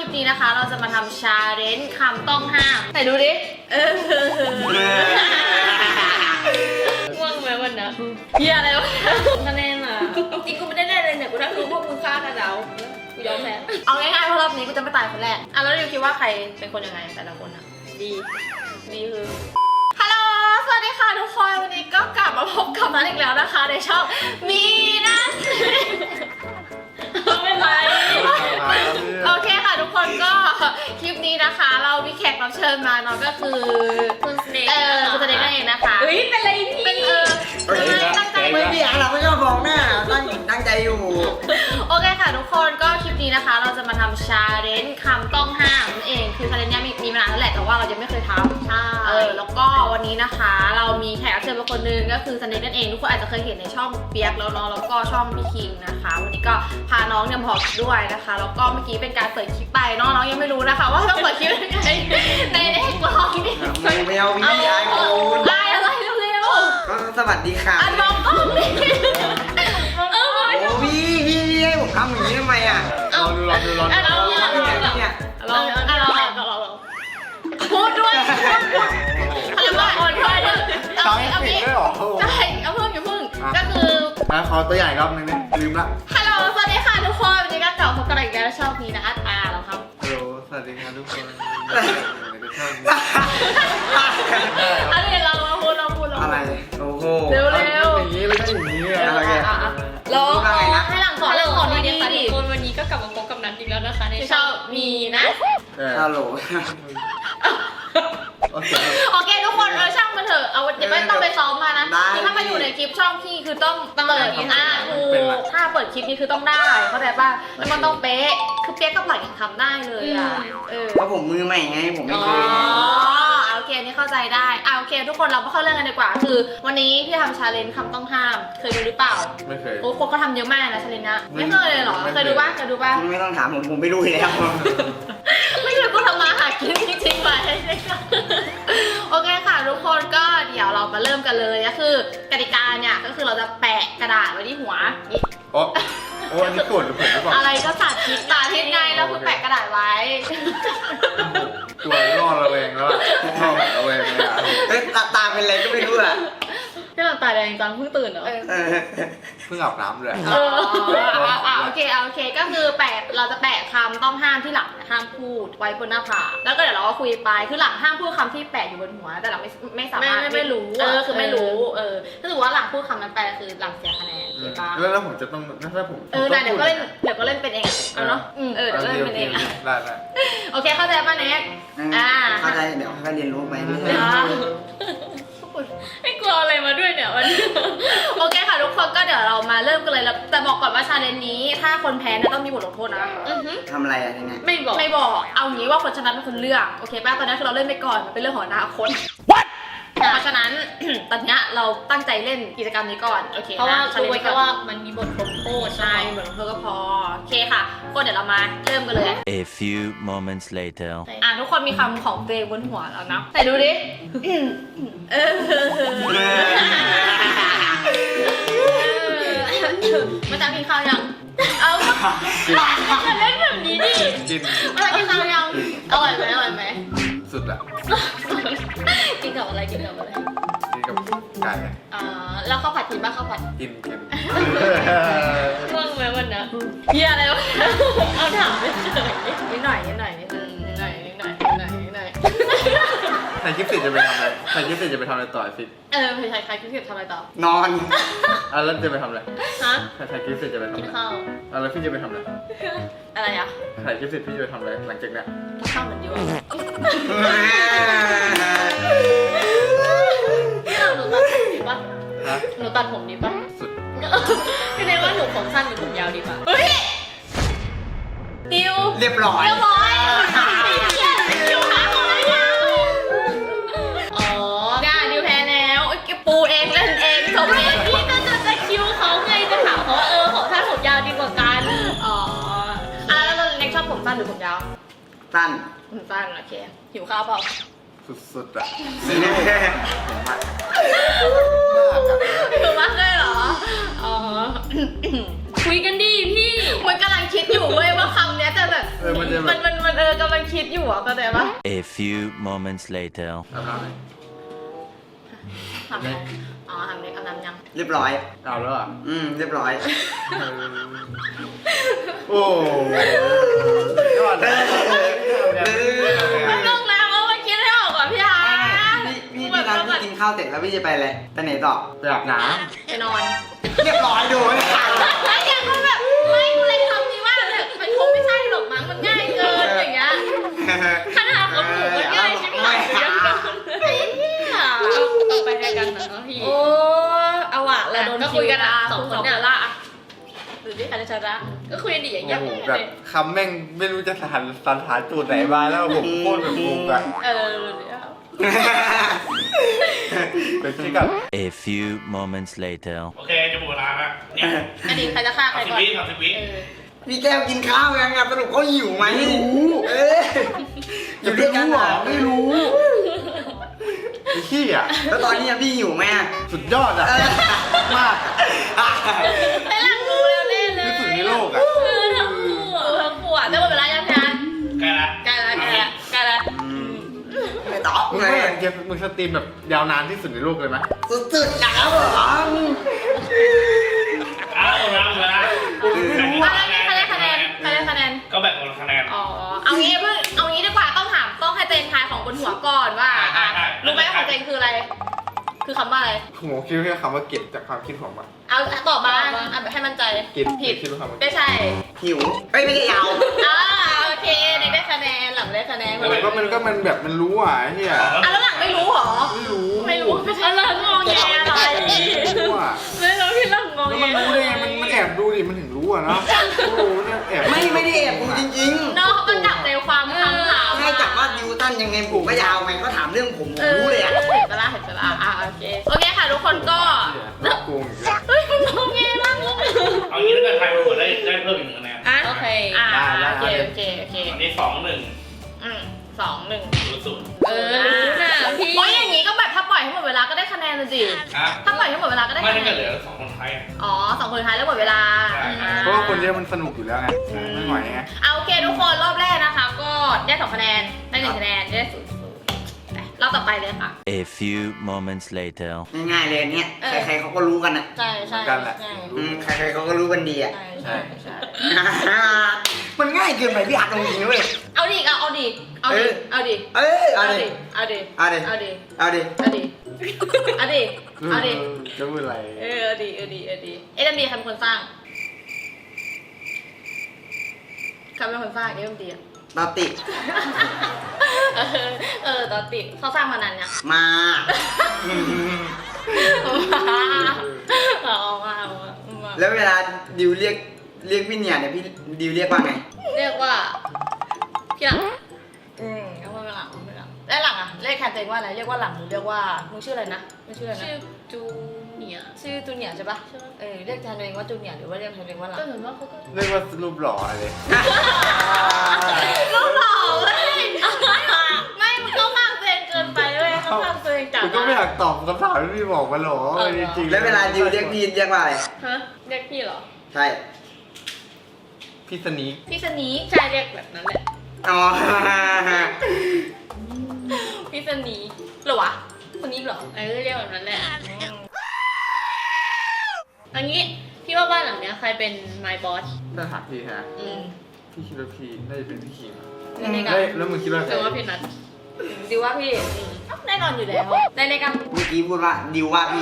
ปนี้นะคะเราจะมาทำชาเลนจ์คำต้องห้ามไหนดูดิง่วงไหมวันนะเฮียอะไรวะคะแนนอ่ะจริงกูไม่ได้แน่เลยเนี่ยกูนั่งดูพวกมึงฆ่ากันแล้วกูยอมแพ้เอาง่ายๆเพราะรอบนี้กูจะไม่ตายคนแรกอ่ะแล้วดิวคิดว่าใครเป็นคนยังไงแต่ละคนอ่ะดีคือฮัลโหลสวัสดีค่ะทุกคนวันนี้ก็กลับมาพบกับนัทอีกแล้วนะคะในช่องมีนะไม่เป็นไรโอเคค่ะทุกคนก็คลิปนี้นะคะเรามีแขกรับเชิญมาเนาะก็คือคุณสเน็กคุณสเน็กนั่นเองนะคะเป็นอะไรพี่เป็นตั้งใจไม่มีอะไรไม่ชอบมองหน้าตั้งใจอยู่โอเคค่ะทุกคนก็คลิปนี้นะคะเราจะมาทำชาเลนจ์คำต้องห้ามนั่นเองคือชาเลนจ์นี้มีมานานแล้วแหละแต่ว่าเรายังไม่เคยทำใช่แล้วก็วันนี้นะคะเรามีแขกรับเชิญมาคนนึงก็คือสเน็กนั่นเองทุกคนอาจจะเคยเห็นในช่องเปียกแล้วเนาะแล้วก็ช่องพี่คิงนะคะวันนี้ก็พาน้องเนี่ยมาบอกด้วยนะคะแล้วก็เมื่อกี้เป็นการเปิดคลิปไปน้องยังไม่รู้นะคะว่าต้องเปิดคลิปยังไงในกล้องนี่ไม่เอาพี่ไอ้กูได้อะไรเร็วสวัสดีค่ะอันน้องกล้องนี่โอ้พี่ให้ผมทำอย่างนี้ทำไมอ่ะเอาลองเนี่ยพูดด้วยพูดว่าคนด้วยเอาพี่ใช่เอาเพิ่มอย่าเพิ่งก็คือขอตัวใหญ่รอบนึงเนี่ยลืมละฮัลโหลสวัสดีค่ะทุกคนวันนี้ก็กลับมาพบกันอีกแล้วชอบนี้นะแล้วครับฮัลโหลสวัสดีครับทุกคนอะไรเราพูดอะไรโอ้โหเร็วอย่างนี้ไม่ได้อย่างนี้อะไรแกลองให้หลังก่อนดีๆดิคนวันนี้ก็กลับมาพบกับนัทอีกแล้วนะคะในช่องมีนะฮัลโหลโอเคทุกคนช่างมันเถอะเอาเดี๋ยวไม่ต้องไปซ้อมมานะถ้ามาอยู่ในคลิปช่องพี่คือต้องเปิดถ้าเปิดคลิปนี้คือต้องได้เข้าใจป่ะแล้วมันต้องเป๊ะคือเป๊ะก็ปล่อยยังทำได้เลยอ่ะเพราะผมมือใหม่ไงผมไม่เคยโอเคนี่เข้าใจได้โอเคทุกคนเราเข้าเรื่องกันดีกว่าคือวันนี้พี่ทำชาเลนจ์คำต้องห้ามเคยดูหรือเปล่าไม่เคยโอ้คนก็ทำเยอะมากนะชาเลนจ์นะไม่เคยเลยหรอเคยดูป่ะไม่ต้องถามผมไม่รู้แล้วไม่เคยกูทำมาหากินจริงๆไปโอเคค่ะทุกคนก็เดี๋ยวเรามาเริ่มกันเลยก็คือกติกาเนี่ยก็คือเราจะแปะกระดาษไว้ที่หัวนี่โอ้อันนี้โกรธหรือผมหรือเปล่าอะไรก็สาธิตไงแล้วคือแปะกระดาษไว้ตัวรอดระแวงแล้วระแวงเลยตาเป็นอะไรก็ไม่รู้อ่ะที่เราตาแดงจังเพิ่งตื่นเหรอเพิ่งอาบน้ำเลยโอเคก็คือเราจะแปะคำต้องห้ามที่หลังห้ามพูดไว้บนหน้าผากแล้วก็เดี๋ยวเราก็คุยไปคือหลังห้ามพูดคำที่แปะอยู่บนหัวแต่หลังไม่สามารถไม่รู้คือไม่รู้ถ้าถือว่าหลังพูดคำนั้นไปคือหลังเสียคะแนนใช่ปะแล้วผมจะต้องถ้าผมเดี๋ยวก็เล่นเป็นเองเอาเนาะเดี๋ยวเล่นเป็นเองได้โอเคเข้าใจป่ะเน็กเข้าใจเดี๋ยวค่อยเรียนรู้ไปไม่กลัวอะไรมาด้วยเนี่ยวันนี้โอเคค่ะทุกคนก็เดี๋ยวเรามาเริ่มกันเลยแล้วแต่บอกก่อนว่าชาเลนจ์นี้ถ้าคนแพ้เนี่ยต้องมีบทลงโทษนะทำอะไรอะไรเงี้ยไม่บอกเอางี้ว่าคนชนะเป็นคนเลือกโอเคป่ะตอนนี้คือเราเล่นไปก่อนมันเป็นเรื่องของอนาคตเพราะฉะนั้นตอนนี้เราตั้งใจเล่นกิจกรรมนี้ก่อนโอเคเพราะว่ารู้ไว้แค่ว่ามันมีบทลงโทษใช่บทลงโทษก็พอโอเคค่ะก็เดี๋ยวเรามาเริ่มกันเลย A few moments later ทุกคนมีคำของตัวเองบนหัวแล้วนะแต่ดูดิมาจากกินข้าวยังจะเล่นแบบนี้ดิกินมาจากกินข้าวยังอร่อยไหมสุดละกินกับอะไรกินกับไก่แล้วข้าวผัดกินป่ะข้าวผัดกินง่วงไหมวันนะเฮียอะไรวะเอาถามไม่เฉยนิดหน่อยถ่ายคลิปเสร็จจะไปทำอะไรต่อฟิตถ่ายคลิปเสร็จทำอะไรต่อนอนแล้วจะไปทำอะไรฮะถ่ายคลิปเสร็จจะไปทำอะไรกินข้าวแล้วพี่จะไปทำอะไรถ่ายคลิปเสร็จพี่จะไปทำอะไรหลังจากนี้กินข้าวเหมือนเดิมหนูตัดผมดีป่ะสุดพี่เนว่าหนูผมสั้นหรือผมยาวดีป่ะดิวเรียบร้อยดิวหาของอะไรดิวแพ้แล้วปูเองเล่นเองสมเองพี่ก็จะคิวเขาไงจะถามเขาของสั้นผมยาวดีกว่ากันแล้วเล็กชอบผมสั้นหรือผมยาวสั้นโอเคหิวข้าวเปล่าสุดๆอ่ะหิวมากเลยเหรอคุยกันดีพี่มันกำลังคิดอยู่เว้ยว่าคำเนี้ยแต่แบบมันจะแบบมันกำลังคิดอยู่อ่ะเข้าใจปะ A few moments later. อาบน้ำไหมทำไงอ๋อทำเล็กเอาน้ำยังเรียบร้อยอาบแล้วอ่ะเรียบร้อยโอ้ยอดเลยมันลงแล้วมันคิดไม่ออกอ่ะพี่อาร์พี่นัทพี่กินข้าวเสร็จแล้วพี่จะไปอะไรไปไหนต่อไปอาบน้ไปนอนเรียบร้อยโดนไอ้ยังก็แบบไม่กูเลยทำดีว่าแบบมันคงไม่ใช่หรอกมั้งมันง่ายเกินอย่างเงี้ยขนาดของหนูมันง่ายใช่ไหมยังโดนไอ้เนี่ยต่อไปด้วยกันนะพี่โอ้เอาอะเราโดนก็คุยกันอะสองคนเนี่ยละหรือที่ใครจะชนะก็คุยกันดีอย่างำเงี้โอ้ยโหแบบคำแม่งไม่รู้จะสันฐานตูดไหนมาแล้วผมโคตรแบบงงอะเดี๋ยวเป็นที่กับ A few moments later. โอเคจะหมดเวลาแล้วเนี่ยอันนี้ใครจะฆ่าใคร 30 ก่อนวิ30 วิพี่แก้วกินข้าวยังสรุปเขาหิวไหมไม่รู้อยู่ด้วยกันเหรอไม่รู้ไอ้ขี้อ่ะแล้วตอนนี้พี่หิวไหมสุดยอดอ่ะมากไอ้หลังรู้แล้วแน่เลยที่สุดในโลกอ่ะทั้งปวดได้หมดเวลายังงานใกล้ละใกล้แล้วไม่ตอบมึงเลไม่ยอยากจะมึงสตรีมแบบยาวนานที่สุดในโลกเลยไหมสุดๆนะครับผมเอาหมดเวลาหมดเวลาใครได้คะแนนก็แบ่งคนละคะแนนอ๋อเอางี้ดีกว่าต้องให้เตนทายของบนหัวก่อนว่ารู้ไหมของเตนคืออะไร คือคำว่าอะไรผมคิดแค่คำว่าเก็บจากความคิดผมอ่ะเอาตอบมาแบบให้มั่นใจกินผิดคิดว่าคำว่าไม่ใช่หิวไม่ได้ยาวโอเคเด็กได้คะแนนหลังได้คะแนนแต่ก็มันแบบมันรู้อ่ะไอ้เฮียแล้วหลังไม่รู้หรอไม่รู้ไม่รู้อะไรงงแงอะไรรู้อ่ะไม่รู้พี่ลังงงแล้วมันรู้ได้ไงมันแอบดูดิมันถึงรู้อ่ะเนาะโอ้โหเนี่ยแอบไม่ได้แอบดูจริงน้องเขาก็จับใจความคำถามๆให้จับว่าดิวตันยังไงผมก็ยาวไงเขาถามเรื่องผมรู้เลยอ่ะเห็นปะล่ะโอเคค่ะทุกคนก็น่าโกงอีกแล้วเฮ้ยมันงงแงมากเอางี้ถ้าเกิดใครเป็นคนได้เพิ่มอีก1 คะแนนโอเคโอเคอันนี้2-1 2-1 รู้นะพี่โอ้ยอย่างงี้ก็แบบถ้าปล่อยให้หมดเวลาก็ได้คะแนนเลยดิฮะถ้าปล่อยให้หมดเวลาก็ได้ไม่คะถ้าแนเกินดเหลือ2 คนท้ายอ๋อ2 คนท้ายแล้วหมดเวลาเพราะว่าคนเยอะมันสนุกอยู่แล้วไงไม่ไหวไงเอาโอเคทุกคนรอบแรกนะคะ ก็ได้2 คะแนนได้1 คะแนนได้0รอบต่อไปเลยค่ะ A few moments later. ง่ายๆเลยเนี่ยใครๆเขาก็รู้กันอ่ะใช่ใช่กันแหละใครๆเขาก็รู้กันดีอ่ะใช่มันง่ายเกินไปพี่อัดตรงนี้เว้ยเอาดิเอาดิเอาดิเอาดิเอาดิเอาดิเอาดิเอาดิเอาดิเอาดิเอาดิเอาดิจะพูดอะไรเอาดิเอ็มดีใครเป็นคนสร้างใครเป็นคนสร้างเอ็มดีอ่ะตาติดตอนติดเขาสร้างมานานยังมาเอามาแล้วเวลาดิวเรียกพี่เนี่ยพี่ดิวเรียกว่าไงเรียกว่าพี่หลังเอามาหลังแล้วหลังอ่ะเรียกแทนตัวเองว่าอะไรเรียกว่าหลังหรือเรียกว่ามึงชื่ออะไรนะมึงชื่ออะไรนะชื่อจูเนียร์ชื่อจูเนียร์ใช่ปะเรียกแทนตัวเองว่าจูเนียร์หรือว่าเรียกแทนตัวเองว่าหลังก็เหมือนว่าเขาก็เรียกว่ารูปหล่ออะไรลูกหล่อเลยไม่มึงเข้าข้างตัวเองเกินไปเลยเข้าข้างตัวเองจัดกูก็ไม่อยากตอบคำถามที่พี่บอกมาหรอจริงๆแล้วเวลาดิวเรียกพี่เรียกว่าอะไรฮะเรียกพี่เหรอใช่พี่สนีพี่สนีใช่เรียกแบบนั้นแหละอ๋อพี่สนีเหรอวะคนนี้เหรอเรียกแบบนั้นแหละอันนี้พี่ว่าบ้านหลังเนี้ยใครเป็น my boss ถ้าถามพี่ฮะมพี่คิดว่าพี่น่าจะเป็นพี่คิมในการแล้วมึงคิดว่าหใครรือว่าพี่นัทดิวว่าพี่แน่นอนอยู่แล้วในการเมื่อกี้พูดว่าดิวว่าพี่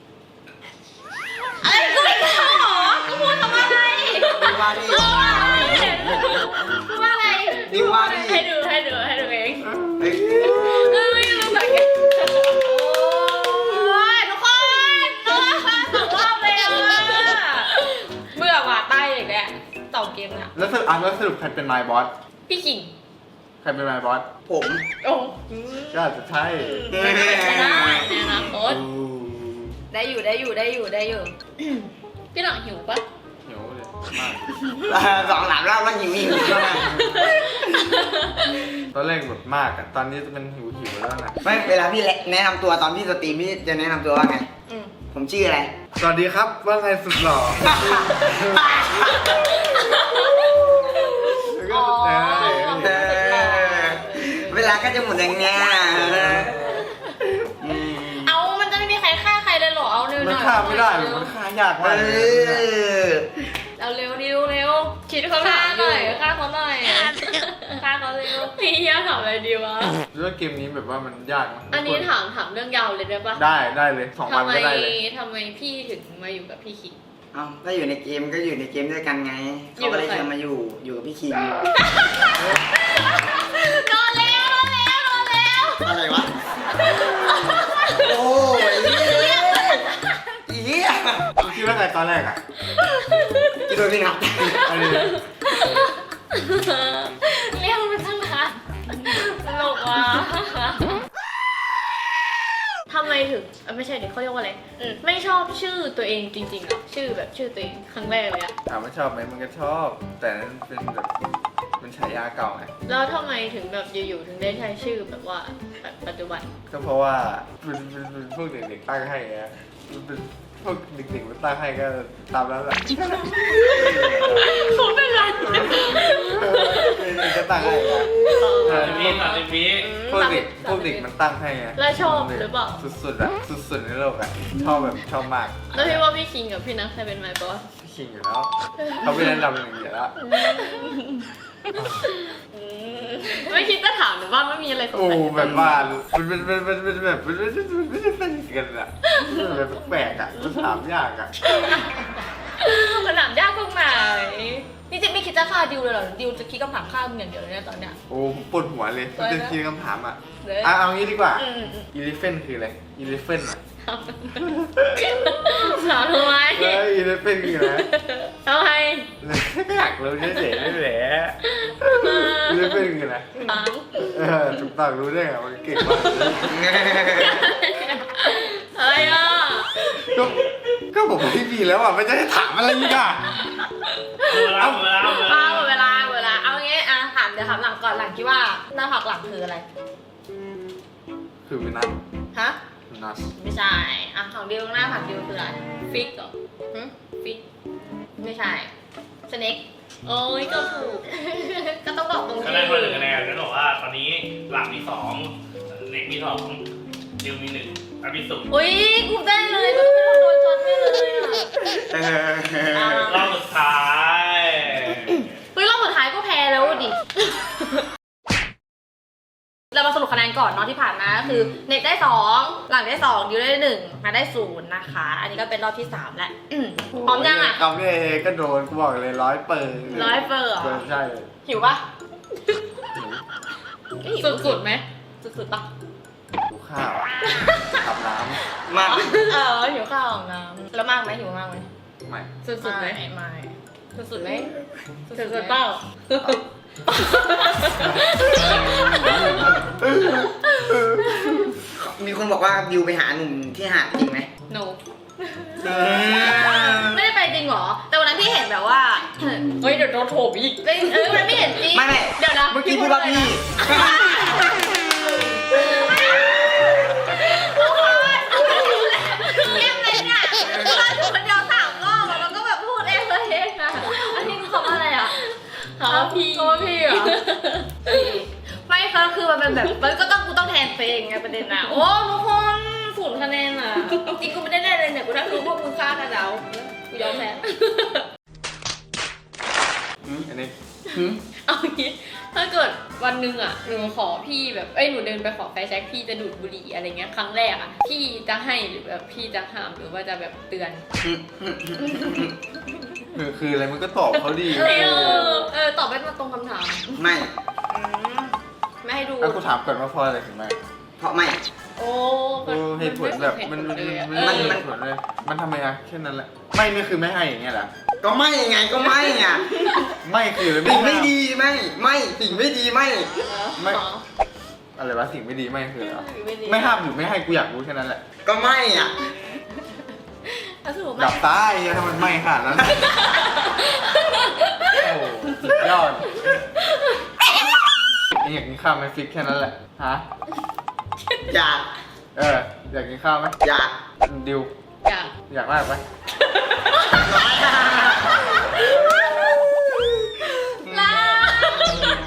อะไรกูไม่รู้หรอกูพูดคำว่าอะไรดิวว่าพี่พูดว่าอะไรดิวว่าพี่ให้ดูเองเฮ้ยรู้สึกไงโอ้ยทุกคน2 รอบเลยอ่ะเบื่อว่ะใต้อีกแล้ว2 เกมเนี่ยแล้วสรุปใครเป็นนายบอสพี่ขิงใครเป็นนายบอสผมโอ้ก็อาจจะใช่ไม่ได้ในอนาคตได้อยู่พี่หลังหิวปะหิวเลยมาก 2 หลังแล้วหิวแล้วนะตอนแรกแบบมากอะตอนนี้จะเป็นหิวแล้วนะไม่เวลาพี่แนะนำตัวตอนพี่สตรีมพี่จะแนะนำตัวว่าไง ผมชื่ออะไรสวัสดีครับว่าไงสุดหล่ออ๋อความรู้สึกหล่อเวลาก็จะหมดอย่างเงี้ยอืมเอามันจะไม่มีใครฆ่าใครเลยเหรอเอาเร็วหมันน่อยฆ่าไม่ได้หรอกมันฆ่ายากเอมากเลยอเอาเร็วเร็วคิดเขาฆ่าหน่อยฆ่าเขาหน่อยฆ่าเขาเร็วพี่เฮียถามอะไรดีวะรู้ว่าเกมนี้แบบว่ามันยากนะอันนี้ถามเรื่องยาวเลยได้ปะได้เลย2 วันทำไมก็ได้เลยทำไมพี่ถึงมาอยู่กับพี่คิงเอาก็อยู่ในเกมก็อยู่ในเกมด้วยกันไงเขาก็เลยเชิญมาอยู่กับพี่คิงโดนแล้วอะไรวะ โอ้ยอีเหี้ยคุณคิดว่าไงตอนแรกอ่ะกินโดนพี่นับอันนี้เรียกมันตั้งนานตลกว่ะทำไมถึงไม่ใช่เดี๋ยวเขาเรียกว่าอะไรไม่ชอบชื่อตัวเองจริงๆหรอชื่อแบบชื่อตัวเองครั้งแรกเลยอะถามว่าชอบไหมมันก็ชอบ แต่นั้นเป็นแบบเป็นฉายาเก่าไงแล้วทำไมถึงแบบอยู่ๆถึงได้ใช้ชื่อแบบว่าแบบปัจจุบันก็เพราะว่าเป็นพวกเด็กๆตั้งให้ไงมันเป็นพวกเด็กๆมันตั้งให้ก็ตามนั้นแหละเขาเป็นไรเด็กก็ตั้งให้ไง 30 วิพวกเด็กมันตั้งให้ไงแล้วชอบหรือเปล่าสุดๆอะสุดๆในโลกอะชอบแบบชอบมากแล้วพี่ว่าพี่คิงกับพี่นัทใครเป็นไมค์บอสพี่คิงอยู่แล้วเขาเป็นอันดับหนึ่งอยู่แล้วไม่คิดจะถามหรือว่าไม่มีอะไรสงโอ้สัยแบบว่ามันเป็นแบบมันไม่ใช่สนิทกันอะมันแบบแปลกอะมันถามยากอะมันถามยากตรงไหนนี่จะไม่คิดจะฆ่าดิวเลยเหรอดิวจะคิดคำถามฆ่ามึงอย่างเดียวเลยเนี่ยตอนเนี้ยโอ้ผมปวดหัวเลยมันจะคิดคำถามอะเลยเอางี้ดีกว่าอืมอีลิเฟนคืออะไรอีลิเฟนอะถามทำไมอีลิเฟนคืออะไรทำไมอยากรู้เฉยๆนี่แหละอีลิเฟนคืออะไรถามถูกต้องรู้ได้ไงมันเก่งมากเลยอะไรอ่ะก็ผมไม่มีแล้วอ่ะไม่จะให้ถามอะไรอีกอ่ะเอาหมดเวลาเอางี้อ่ะถามเดี๋ยวถามหลังก่อนหลังคิดว่าหน้าผักหลังคืออะไรคือวินัสฮะวินัสไม่ใช่อ่ะของดิวหน้าผักดิวคืออะไรฟิกเหรอหึฟิกไม่ใช่สเน็กโอ้ยก็ถูกก็ต้องบอกตรงคะที่แนนคน1 คะแนนนั่นบอกว่าตอนนี้หลังมี2เล็กมี2ดิวมี1อันมี0 อุ้ยกูได้เลยกูเป็นคนโดนจนไม่เลยอ่ะรอบสุดท้ายเฮ้ยรอบสุดท้ายก็แพ้แล้วดิ เรามาสรุปคะแนนก่อนเนาะที่ผ่านมาก็คือเน็ตได้2หลังได้2ดิวได้1มาได้0นะคะ อันนี้ก็เป็นรอบที่3แล้วพร้อมยังอ่ะคำนี้ก็โดนกูบอกเลย100 เปิด 100 เปอร์เหรอใช่หิวปะสุดๆไหมสุดๆปะกูข้าวอาบน้มากหิวข้าวของน้ำแล้วมากไหมหิวมากไหมำไม่สุดๆไหมไม่สุดๆไหมสุดๆเปล่ามีคนบอกว่าดิวไปหาหนุ่มที่หาดจริงไหม no ไม่ได้ไปจริงเหรอ แต่วันนั้นพี่เห็นแบบว่าเฮ้ยเดี๋ยวโดนโถมอีกวันนั้นไม่เห็นจริงไม่เดี๋ยวนะเมื่อกี้พูดว่าพี่เล่นเลยเนี่ยเราอยู่คนเดียว3 รอบอะแล้วก็แบบพูดเองเลยเองอะอันนี้คือคำว่าอะไรอะหาพี่โทษพี่เหรอไม่ค่ะคือมันเป็นแบบมันก็ต้องกูต้องแทนเพลงไงประเด็นอะโอ้ทุกคน0 คะแนนอะจริงกูไม่ได้ได้เลยเนี่ยกูนั่งดูพวกมึงฆ่ากันแล้วกูยอมแพ้อันนี้เอางี้ถ้าเกิดวันหนึ่งอ่ะหนูขอพี่แบบหนูเดินไปขอไฟแช็กพี่จะดูดบุหรี่อะไรเงี้ยครั้งแรกอ่ะพี่จะให้หรือแบบพี่จะห้ามหรือว่าจะแบบเตือนคืออะไรมันก็ตอบเขาดีตอบไม่มาตรงคำถามไม่ไม่ให้ดูเอากูถามก่อนว่าเพราะอะไรถึงไม่เพราะไม่โอ้เหตุผลแบบมันเหตุผลเลยมันทำไมอะแค่นั้นแหละไม่นี่คือไม่ให้อย่างเงี้ยเหรอก็ไม่ไงก็ไม่ไงไม่คือสิ่งไม่ดีไม่สิ่งไม่ดีไม่ไม่อะไรวะสิ่งไม่ดีไม่คืออะไรไม่ห้ามหรือไม่ให้กูอยากรู้แค่นั้นแหละก็ไม่อ่ะสรุปดับตายถ้ามันไม่ขนาดนั้นโอ้โหสุดยอดอยากกินข้าวไหมฟิกแค่นั้นแหละฮะอยากอยากกินข้าวไหมอยากดิวอยากอยากมากไหมลา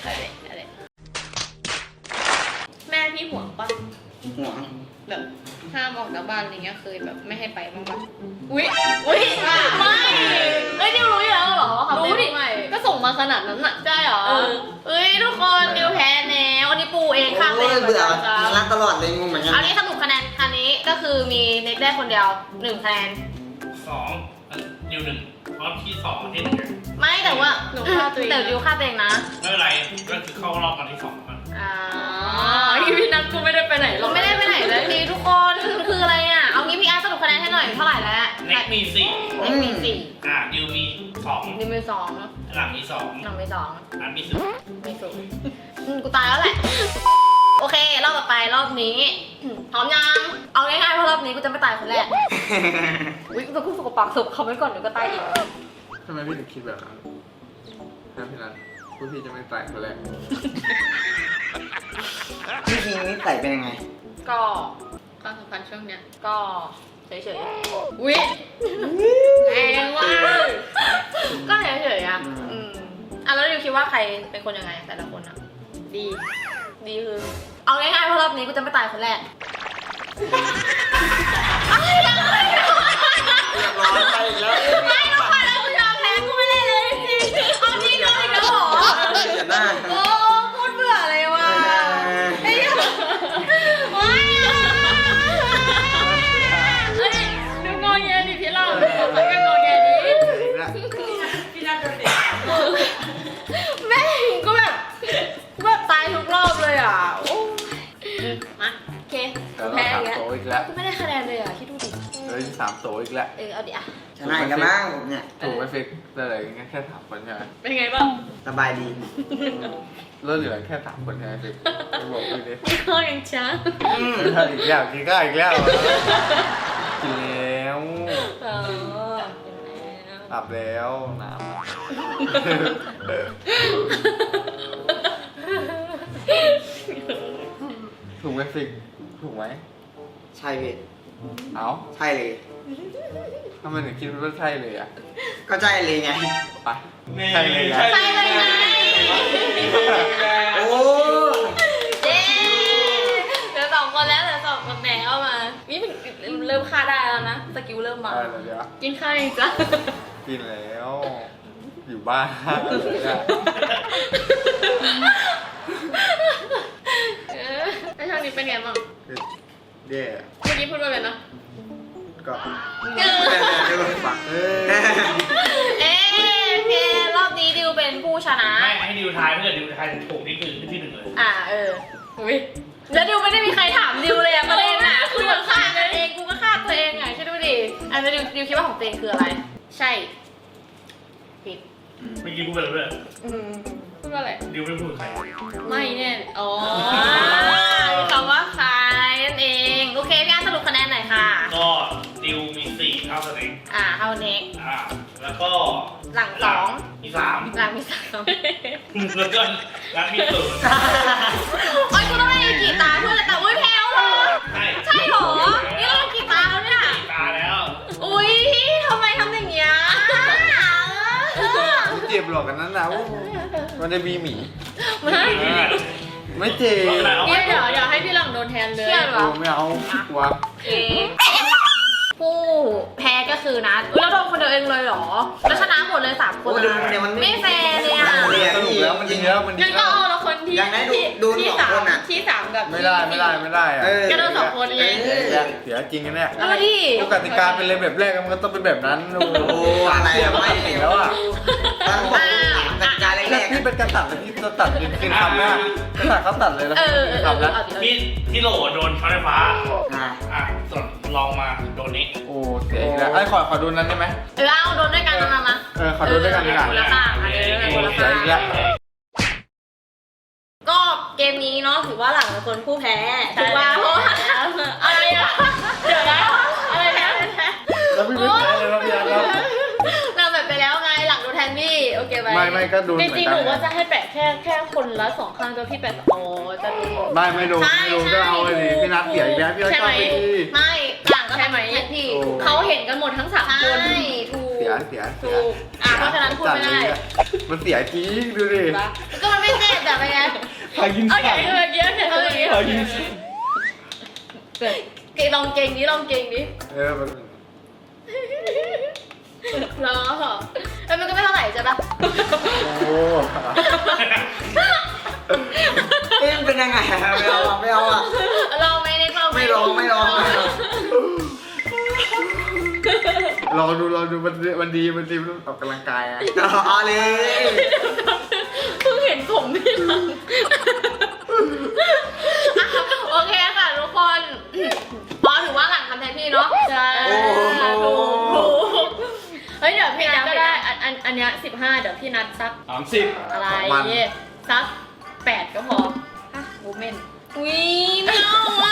อะไรแม่พี่ห่วงปะห่วงแบบห้ามออกจากบ้านอะไรเงี้ยเคยแบบไม่ให้ไปบ้างปะอุ๊ยไม่เอ้ยนิวรู้อยู่แล้วเหรอรู้ดิก็ส่งมาขนาดนั้นอะใช่เหรอเออเอ้ยทุกคนนิวแพ้แนววันนี้ปูเองข้างโอ้เลยเบื่อจ้ารักตลอดเลยงงเหมือนกันเอานี้สรุปคะแนนคันนี้ก็คือมีเน็กได้คนเดียว1คะแนน 2 ดิว 1 เพราะที่ 2 ที่ 1 ไม่แต่ว่าหนูฆ่าตัวเองแต่ดิวฆ่าตัวเองนะไม่เป็นไรก็คือเข้ารอบกันที่ 2 อ่ะอ่าอ๋อพี่นัทกูไม่ได้ไปไหนหรเราอกไม่ได้ไปไหนเลยทีทุกคนคืออะไรอ่ะเอางี้พี่อาร์ตสรุปคะแนนให้หน่อยเท่าไหร่แล้วเน็กมีเน็กมีสี่ 4ดิวมีนิวมีสอง 2 หลังมี 2 น้องมีสองอันมีมีศูนย์กูตายแล้วแหละ โอเครอบต่อไปรอบนี้พร้อมยังเอาง่ายๆเพราะรอบนี้กูจะไม่ตายคนแรกอุ้ยกูจะพูดสกปรกสุกเขาไว้ก่อนเดี๋ยวก็ตายอีกทำไมพี่ถึงคิดแบบนั้นนะพี่นัทพวกพี่จะไม่ตายคนแรกพี่คิงนี่ใส่เป็นยังไงก็ความสัมพันธ์ช่วงเนี้ยก็เฉยอุ๊ยแรงว่ะๆก็เฉยๆอ่ะอ่ะแล้วดิวคิดว่าใครเป็นคนยังไงแต่ละคนอ่ะดีดีคือ เอาง่ายๆเพราะรอบนี้กูจะไม่ตายคนแรกเรียบร้อยไปอีกแล้วไม่ทุกคนแล้วกูยอมแพ้กูไม่ได้เลยจริงๆเอาจริงเลยอีกแล้วเหรออย่าหน้าโอ้พูดเบื่อเลยว่ะไอ้เหี้ยว้ายเอ้ยดูงอแงดิพี่เราใครก็งอแงดิแม่งก็แบบตายทุกรอบเลยอ่ะโอ้มาโอเคแล้วแพ้เราอีกสามแล้วโตอีกแล้วกูไม่ได้คะแนนเลยอ่ะคิดดูดิแล้วสามโตอีกแล้วเอาดิอ่ะชนะอีกแล้วมั้งผมเนี่ยถูกไหมฟิกอะไรแค่3 คนใช่ไหมเป็นไงบ้างสบายดีแล้วเหลือแค่3 คนใช่ไหมฟิกไม่บอกพี่ดิพี่ข้อยังช้าไม่ทันอีกแล้วกินก็อีกแล้วกินแล้วเอออาบแล้วน้ำถูกไหมฟิกถูกไหมใช่พี่เอ้าใช่เลยทำไมถึงคิดว่าใช่เลยอ่ะก็ใช่เลยไงไปใช่เลยนะใช่เลยไงโอ้เย้เหลือ2 คนแล้วเหลือ2 คนแล้วมานี่มันเริ่มฆ่าได้แล้วนะสกิลเริ่มมาเดี๋ยวกินข้าวยังจ้ะกินแล้ว อยู่บ้านเลยอะแล้วช่วงนี้เป็นไงบ้างแย่เมื่อกี้พูดว่าอะไรนะก็ฝักเอ้ยเอ๊ะเพรอบนี้ดิวเป็นผู้ชนะไม่ให้ดิวทายเพื่อนดิวทายถูกนี่คือที่ 1 เลยอุ้ยแล้วดิวไม่ได้มีใครถามดิวเลยอะประเด็นอะคือมันฆ่ากันเองกูก็ฆ่าตัวเองไงใช่ดูดิอันนี้ดิวคิดว่าของตัวเองคืออะไรใช่ผิดเมื่อกี้กูเป็นอะไรเพื่อนพูดว่าอะไรดิวไม่พูดใครไม่แน่อ๋อมีคำว่าใครนั่นเองโอเคพี่อาร์ตสรุปคะแนนหน่อยค่ะก็ดิวมี 4 เท่าสเต็กเท่าเน็กแล้วก็หลังสองมีหลังมี3 3แล้วก็รัดมี 0 โอ๊ยกูต้องให้กี่ตาเพื่อนแต่อุ้ยแพ้วเหรอ ใช่เหรอ นี่เรากี่ตาแล้วเนี่ยตาแล้วอุ้ยทำไมทำอย่างเงี้ยเจ็บหรอกกันนั้นนะมันจะมีหมีไม่ไม่เจ็บเดี๋ยวให้พี่หลังโดนแทนเลยเชื่อเหรอไม่เอาวะผู้แพ้ก็คือนัดแล้วโดนคนเดียวเองเลยเหรอ แล้วชนะหมดเลย3 คนโอ้ดูเนี่ยมันไม่แฟร์เลยอ่ะสรุปแล้วมันยิงแล้วมันยิงั้นงก็แล้วเอาละคนที่อย่างนั้นดูที่สองคนอะที่สามกับไม่ได้อะก็โดน2 คนไงเสียจริงกันเนี่ยเอามาดิปกติการเป็นเลยแบบแรกมันก็ต้องเป็นแบบนั้นโอ้โอ้อะไรเสียอะไม่ไม่ถึงแล้วอ่ะตอนผมกติกาแรแต่กพี่เป็นการตัดเลยที่จะตัดคือทำนะกระตัดเขาตัดเลยนะทำแล้วเอาดิมีที่โหลโดนช็อตไฟฟ้าๆส่วนลองมาโดนนี้โอ้เสียอีกแล้วไอ้ขอดูนั้นได้ไหมเอาโดนด้วยกันมาขอดูด้วยกันดีกว่าคนละข้างคนละเสียข้างอีกแล้วก็เกมนี้เนาะถือว่าหลังเป็นคนผู้แพ้ถูกป่ะเพราะว่าอะไรอะเดี๋ยวนะอะไรนะแล้วพี่ไม่แพ้เลยครับพี่อาร์ตครับเราแบบไปแล้วไงหลังโดนแทนพี่โอเคไหมไม่ก็ดูจเหมือนริงกัๆหนนูว่าจะให้แปะแค่คนละ2 ข้างก็พี่แปะโอ้จะดูไม่ดูก็เอาเลยดิพี่นัทเสียอีกแล้วพี่นัทก็ไปดีไม่หลังก็ทำแทนพี่เขาเห็นกันหมดทั้ง3 คนใช่ถูกเสียถูกเพราะฉะนั้นพูดไม่ได้มันเสียจริงดูดิก็มันไม่เจ็บแบบเป็นไงพากินโอเคสั่นเมื่อกี้โอเคเมื่อกี้พากินสั่นลองเก่งดิลองเก่งดิมันรอมันก็ไม่เท่าไหร่ใช่ปะโอ้เอ๊ะมันเป็นยังไงอะไม่เอาอะไม่เอาอะลองไหมเนี่ยลองไหมไม่ลองไม่ลองไม่ลองลองดูมันดีมันออกกำลังกายอะเอาเลยเพิ่งเห็นผมพี่หลังโอเคค่ะทุกคนพอถือว่าหลังทำแทนพี่เนาะใช่โอ้โหถูกเฮ้ยเดี๋ยวพี่นัทก็ได้อันเนี้ย15เดี๋ยวพี่นัทสัก 30 อะไรสัก8ก็พอโมเมนต์อุ้ยไม่เอาอ่ะ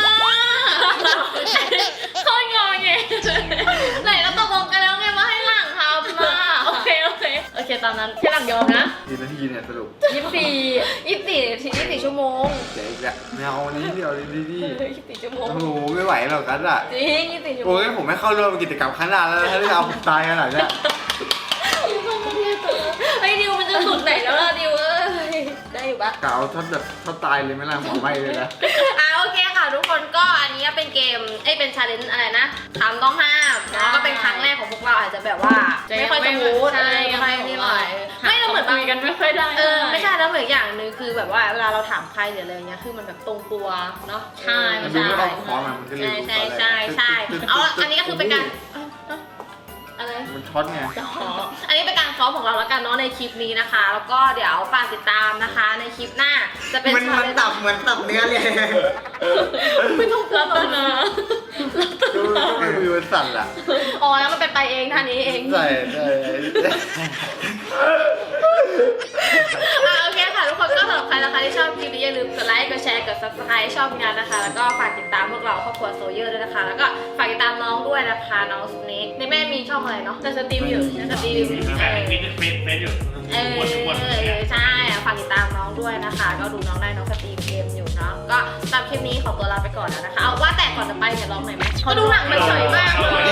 โคตรงอไงไหนเราตกลงกันแล้วไงว่าให้หลังทำมาโอเคตามนั้นพี่หลังยอมนะกี่นาทีเนี่ยสรุป 24 24 ชั่วโมงเจ๊กแล้วไม่เอาวันนี้เดี๋ยวดี 24ชั่วโมงโอ้โหไม่ไหวหรอกกันอ่ะจริง24ชั่วโมโอ้งยผมไม่เข้าร่วมกิจกรรมข้างหน้าแล้วถ้าได้เอาผมตายขนาดเนี้ยไอ้ดิวมันจะสุดไหนแล้วล่ะดิวได้อยู่ปะกะเอาถ้าตายเลยไหมล่ะหมอไม่เลยนะโอเคค่ะทุกคนก็อันนี้เป็นเกมเป็นชาเลนจ์อะไรนะคำต้องห้ามแล้วก็เป็นครั้งแรกของพวกเราอาจจะแบบว่าไม่ค่อยจะมูดใช่ไม่ค่อยนี่หน่อยไม่เราเหมือนคุยกันไม่ค่อยได้ไม่ใช่แล้วเหมือนอย่างหนึ่งคือแบบว่าเวลาเราถามใครหรืออะไรเงี้ยคือมันแบบตรงตัวเนาะใช่มันดูไม่ออกคอมันก็เลยใช่เอาอันนี้ก็คือเป็นการอะไรมันช็อตไงอันนี้เป็นการซ้อมของเราแล้วกันเนาะในคลิปนี้นะคะ แล้วก็เดี๋ยวฝากติดตามนะคะในคลิปหน้าจะเป็นมันชาเลนจ์ตับเหมือนตับเนื้อเลยไม่ต้องกลัวรัตนาดูมือมันสั่นอ่ะอ๋อแล้วมันเป็นไปเองท่านี้เองใช่โอเคค่ะทุกคนก็สำหรับใครนะคะที่ชอบคลิปนี้อย่าลืมกดไลค์กดแชร์กด subscribe ช่องงานนะคะ แล้วก็ฝากติดตามพวกเราครอบครัวโซเยอร์ด้วยนะคะ แล้วก็ฝากติดตามน้องด้วยนะคะน้องสเน็กในแม่มีช่องอะไรเนาะจะสตรีมอยู่สตรีมแข่งเฟซอยู่วนใช่ฝากติดตามน้องด้วยนะคะ ก็ดูน้องได้น้องสตรีมเกมอยู่เนาะก็ตามคลิปนี้ขอตัวลาไปก่อนแล้วนะคะเอาว่าแต่ก่อนจะไปเนี่ยร้องหน่อยไหมเขาดูหนังมันเฉยมากเลย